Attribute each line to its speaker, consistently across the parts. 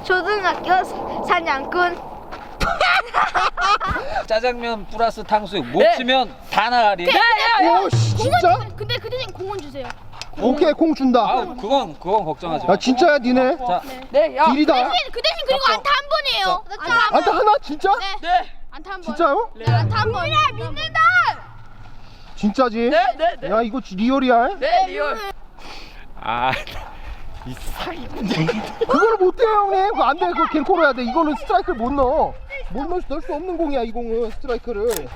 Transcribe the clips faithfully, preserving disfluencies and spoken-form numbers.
Speaker 1: 초등학교 사냥꾼.
Speaker 2: 짜장면 플러스 탕수육 못
Speaker 3: 네.
Speaker 2: 치면 다 나가리.
Speaker 4: 오 진짜?
Speaker 1: 근데 그 대신 공원 주세요.
Speaker 4: 오케이 공 준다.
Speaker 2: 아 그건 그건 걱정하지 마.
Speaker 4: 야 진짜야 니네?
Speaker 2: 자,
Speaker 3: 네, 야.
Speaker 4: 딜이다.
Speaker 1: 그 대신 그리고 안타 한 번이에요. 안타 한 번.
Speaker 4: 안타 하나 진짜?
Speaker 3: 네.
Speaker 1: 안타 한 번.
Speaker 4: 진짜요?
Speaker 1: 네, 안타 한 번. 믿는다.
Speaker 4: 진짜지?
Speaker 3: 네, 네, 네.
Speaker 4: 야 이거 리얼이야?
Speaker 3: 네, 리얼.
Speaker 2: 아, 이 사기.
Speaker 4: 그거를 못해요 형님. 그거 안돼. 그거 갱코로 해야 돼. 이거는 스트라이크를 못 넣어. 못 넣을 수, 넣을 수 없는 공이야 이 공은 스트라이크를.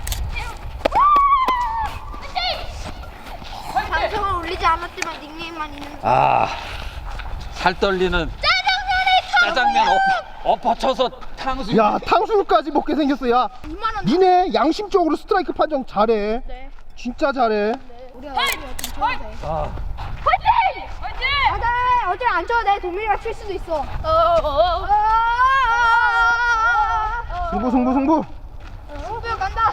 Speaker 1: 방송을 올리지 않았지만 닉네임만 있는.
Speaker 2: 아, 살 떨리는 짜장면 엎, 엎어쳐서 탕수육.
Speaker 4: 야 탕수육까지 먹게 생겼어. 야
Speaker 1: 이만 원.
Speaker 4: 니네 양심적으로 스트라이크 판정 잘해.
Speaker 1: 네.
Speaker 4: 진짜 잘해.
Speaker 1: 우리가 우리가 좀 쳐도 돼.
Speaker 2: 아,
Speaker 1: 화이팅! 화이팅! 맞아. 어제 안 쳐도 돼. 동민이가 칠 수도 있어. 어. 어.
Speaker 4: 승부 승부 승부.
Speaker 1: 승부욕 간다.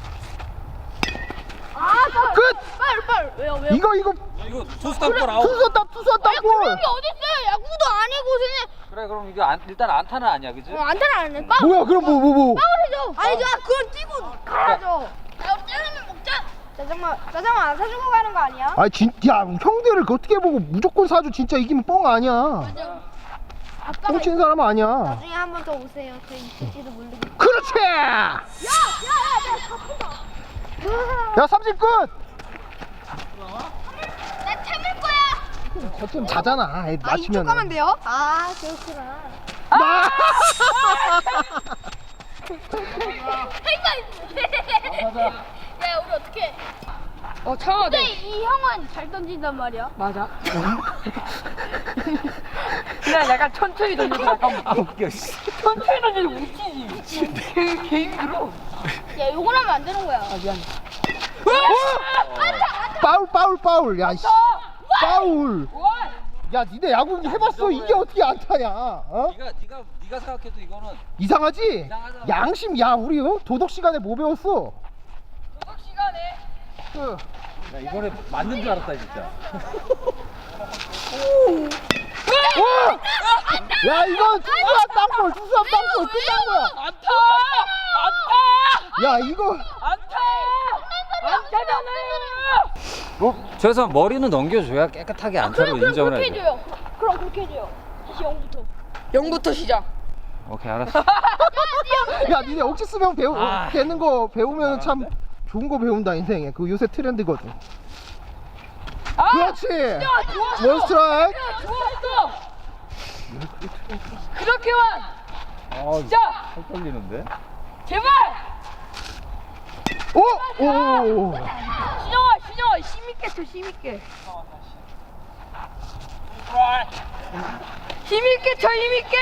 Speaker 1: 아,
Speaker 4: 끝!
Speaker 1: 빨리 빨리. 왜요 왜요?
Speaker 4: 이거 이거
Speaker 2: 이거 투수 땅볼 아웃.
Speaker 4: 투수 답 투수 답볼.
Speaker 1: 그런 게 어딨어요? 야구도 아니고 그냥
Speaker 2: 그래 그럼 이거 안, 일단 안타는 아니야, 그지?
Speaker 1: 어, 안타는 안 해. 파울.
Speaker 4: 뭐야 그럼 뭐 뭐 뭐.
Speaker 1: 파울이죠. 아니죠. 그건 뛰고 가야죠. 야, 우리 짜장면 먹자. 짜장면 짜장면 안 사주고 가는 거 아니야?
Speaker 4: 아 진짜 형들을 그 어떻게 보고 무조건 사줘. 진짜 이기면 뻥 아니야.
Speaker 1: 아빠가
Speaker 4: 뻥친 사람 아니야.
Speaker 1: 나중에 한 번 더 오세요. 저 있을지도 모르고.
Speaker 4: 그렇지.
Speaker 1: 야야야, 내가 바쁘다.
Speaker 4: 야 삼진 끝.
Speaker 1: 나 참을 거야.
Speaker 4: 저쯤 자잖아. 애
Speaker 1: 아, 이쪽
Speaker 4: 맞추면.
Speaker 1: 가면 돼요? 아, 그렇구나.
Speaker 4: 나.
Speaker 1: 야, 우리 어떻게?
Speaker 3: 어, 참아
Speaker 1: 근데
Speaker 3: 돼.
Speaker 1: 이 형은 잘 던진단 말이야.
Speaker 3: 맞아. 그냥 약간 천천히 던져서 약간
Speaker 2: 아 웃겨. 씨.
Speaker 3: 천천히 던져서 웃기지. 개, 개 힘들어.
Speaker 1: 야, 요걸 하면 안 되는 거야.
Speaker 3: 아, 미안.
Speaker 4: 파울 파울 파울. 야 씨. 파울. 야 니네 야구 해봤어. 이게 어떻게 안 타냐? 어?
Speaker 2: 네가 네가 네가 생각해도 이거는
Speaker 4: 이상하지?
Speaker 2: 이상하잖아.
Speaker 4: 양심. 야 우리 어? 도덕 시간에 뭐 배웠어?
Speaker 3: 도덕 시간에.
Speaker 4: 그.
Speaker 2: 야, 이번에 맞는 줄 알았다 진짜.
Speaker 4: 와! 야 이건 투수야 땅볼. 투수야 땅볼. 끝난 거야.
Speaker 3: 안타! 안타!
Speaker 4: 야 이거.
Speaker 3: 안타! 안타잖아!
Speaker 2: 어? 저래서 머리는 넘겨줘야 깨끗하게 안타로
Speaker 1: 그럼
Speaker 2: 인정을
Speaker 1: 그렇게
Speaker 2: 해야 돼.
Speaker 1: 해줘요. 그럼 그렇게 해줘요. 다시 영부터.
Speaker 3: 영부터 시작.
Speaker 2: 오케이 알았어.
Speaker 4: 야 니네 억지 쓰면 배우
Speaker 2: 아.
Speaker 4: 되는 거 배우면 참 좋은 거 배운다 인생에. 그 요새 트렌드거든.
Speaker 3: 아!
Speaker 4: 그렇지.
Speaker 3: 좋았어!
Speaker 4: 원 스트라이크.
Speaker 3: 야, 좋았어! 그렇게만!
Speaker 2: 아,
Speaker 3: 자!
Speaker 2: 살 떨리는데.
Speaker 3: 제발!
Speaker 4: 오! 오!
Speaker 3: 신영아, 신영아, 힘있게 쳐, 힘있게. 힘있게 쳐, 힘있게!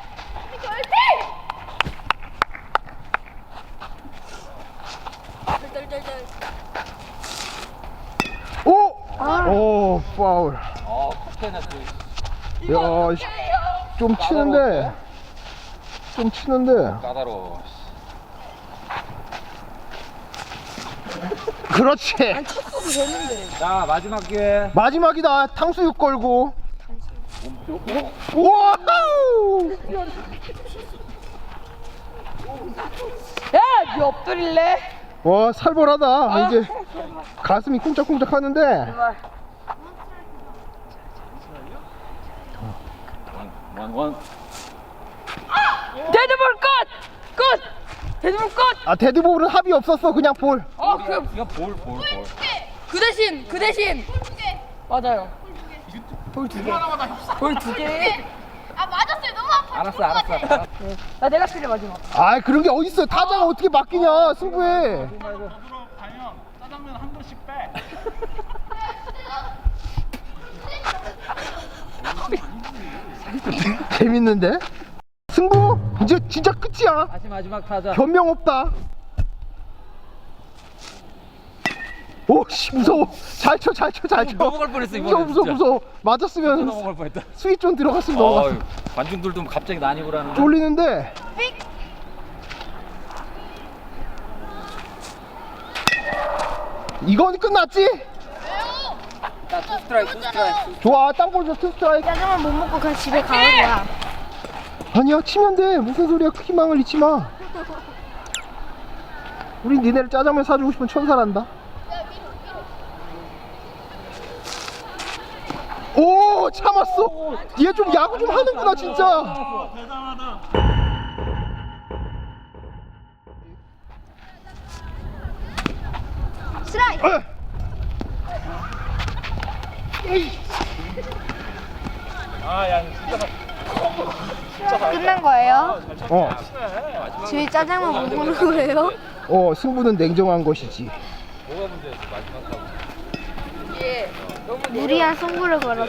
Speaker 4: 오! 오, 파울.
Speaker 2: 어, 커피했어.
Speaker 4: 야, 씨, 좀 치는데. 좀 치는데.
Speaker 2: 까다로워.
Speaker 4: 그렇지.
Speaker 3: 쳤어도 되는데.
Speaker 2: 자 마지막 기회.
Speaker 4: 마지막이다. 탕수육 걸고. 우와!
Speaker 3: 야, 니 엎드릴래?
Speaker 4: 와, 살벌하다. 아, 이제 가슴이 쿵짝쿵짝 하는데.
Speaker 3: 제발.
Speaker 2: 원원.
Speaker 3: 데드볼 끝! 끝! 데드볼 끝!
Speaker 4: 아, 데드볼은 합이 없었어. 그냥 볼.
Speaker 3: 어, 그,
Speaker 2: 이거 볼 볼 볼.
Speaker 3: 그 대신, 그 대신. 맞아요. 볼 두 개. 볼 두 개.
Speaker 1: 아, 맞았어요. 너무 아파.
Speaker 2: 알았어 알았어. 알았어.
Speaker 3: 나 내가 필요 마지막.
Speaker 4: 아, 그런 게 어딨어. 타자가 어떻게 맡기냐, 승부에.
Speaker 5: 짜장면 한 그릇씩 빼.
Speaker 4: 재밌는데? 승부? 이제 진짜 끝이야.
Speaker 2: 다시 마지막 타자.
Speaker 4: 변명 없다. 오씨 무서워. 잘 쳐, 잘 쳐, 잘 쳐.
Speaker 2: 넘어갈 뻔했어, 이번에
Speaker 4: 무서워, 무서워,
Speaker 2: 진짜.
Speaker 4: 무서워. 맞았으면
Speaker 2: 넘어갈 뻔했다.
Speaker 4: 스윗 좀 들어갔으면 넘어갔어.
Speaker 2: 어이, 관중들도 갑자기 난입을 하는데.
Speaker 4: 쫄리는데. 이건 끝났지?
Speaker 2: 자, 투 스트라이크, 투 스트라이크.
Speaker 4: 좋아, 땅볼 줘, 투 스트라이크.
Speaker 1: 짜장면 못 먹고 그냥 집에 가는 거야.
Speaker 4: 아니야, 치면 돼. 무슨 소리야. 희망을 잊지 마. 우리 니네를 짜장면 사주고 싶은 천사란다. 오, 참았어. 얘 좀 야구 좀 하는구나 진짜.
Speaker 5: 대단하다.
Speaker 1: 스트라이크.
Speaker 4: 에.
Speaker 5: 아야 진짜
Speaker 1: 끝난 거예요?
Speaker 4: 어,
Speaker 1: 저희 짜장면 못 먹는 거예요?
Speaker 4: 어, 승부는 냉정한 것이지.
Speaker 1: 무리한 승부를 걸었어.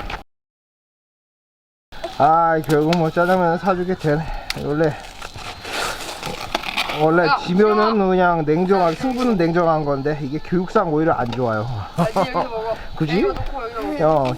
Speaker 4: 아, 결국 뭐 짜장면 사주게 되네. 원래 원래
Speaker 3: 야,
Speaker 4: 지면은 그냥 냉정하게, 승부는 냉정한 건데 이게 교육상 오히려 안 좋아요.
Speaker 3: 아니 여기 먹어.
Speaker 4: 그지?
Speaker 3: 여기 놓고 여기 먹어.
Speaker 4: 어.